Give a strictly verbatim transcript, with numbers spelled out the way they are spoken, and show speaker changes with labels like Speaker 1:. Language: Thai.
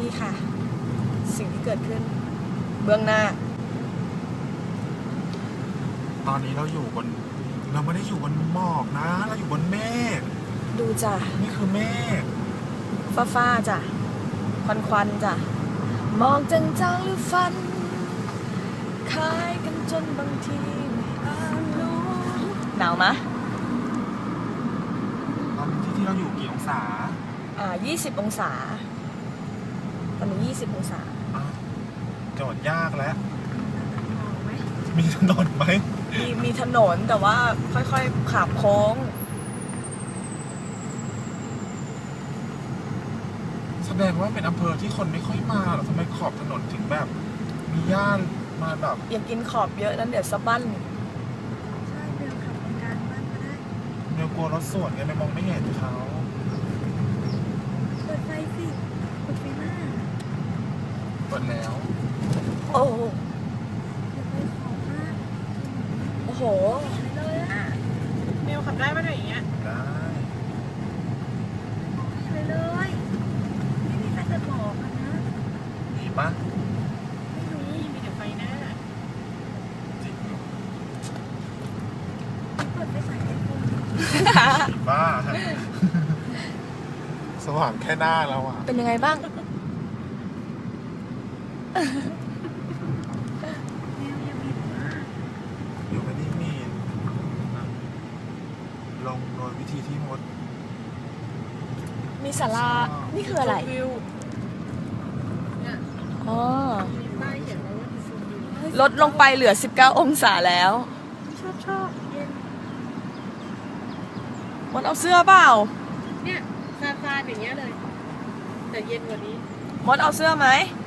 Speaker 1: นี่ค่ะสิ่งที่เกิดขึ้นเบื้องหน้า
Speaker 2: ตอนนี้เราอยู่บนเราไม่ได้อยู่บนหมอกนะเราอยู่บนเมฆ
Speaker 1: ดูจ้ะ
Speaker 2: นี่คือเมฆ
Speaker 1: ฟ้าฟ้าจ้ะควันควันจ้ะมองจางๆหรือฟันคล้ายกันจนบางทีไม่อาจรู้หนาวมะ
Speaker 2: ตอนที่ที่เราอยู่กี่องศา
Speaker 1: อ่ายี่สิบองศาตอนนี้ยี่สิบองศา
Speaker 2: โจทย์ยากแล้วมีถนนไหม
Speaker 1: มีมีถนนแต่ว่าค่อยๆขับโค้ง
Speaker 2: แสดงว่าเป็นอำเภอที่คนไม่ค่อยมาหรอทำไมขอบถนนถึงแบบมีหญ้ามาแบบ
Speaker 1: อย่ากินขอบเยอะนั้นเดี๋ยวสะบั้น
Speaker 3: ใช่เบลขับตรงกลางบ้านก็ได้
Speaker 2: เดี๋ยวกลัวรถสวนไงไม่มองไม่เห็นเขา
Speaker 3: เปิดไฟสิเปิดไฟหน้า
Speaker 2: เปิดแล้ว
Speaker 1: โอ้
Speaker 3: เดี๋ยวไปขอมาก
Speaker 1: โอ้โห
Speaker 3: ไปเลยอ่ะ
Speaker 1: เมลขับได้ไหมอย่างเงี้ย
Speaker 2: ได้
Speaker 3: ไปเลยไม่มีใครจะบอกกันนะ
Speaker 2: มีปะ
Speaker 3: ไม่มีมีแต่ไฟหน้า
Speaker 2: จริงเหรอ
Speaker 3: เปิดไฟฉายไอโฟน
Speaker 2: บ้าสว่างแค่หน้าแล้วอ่ะ
Speaker 1: เป็นยังไงบ้าง
Speaker 3: แมวยังมีมาก
Speaker 2: อยู่ไม่ได้มีลงโดยวิธีที่มด
Speaker 1: มีศาลานี่คืออะไรอ๋อลดลงไปเหลือสิบเก้าองศาแล้ว
Speaker 3: ชอบชอบเย็น
Speaker 1: มดเอาเสื้อเปล่า
Speaker 3: เนี่ยซาซาอย่างเงี้ยเลยแต่เย็นกว่านี้
Speaker 1: มดเอาเสื้อไหม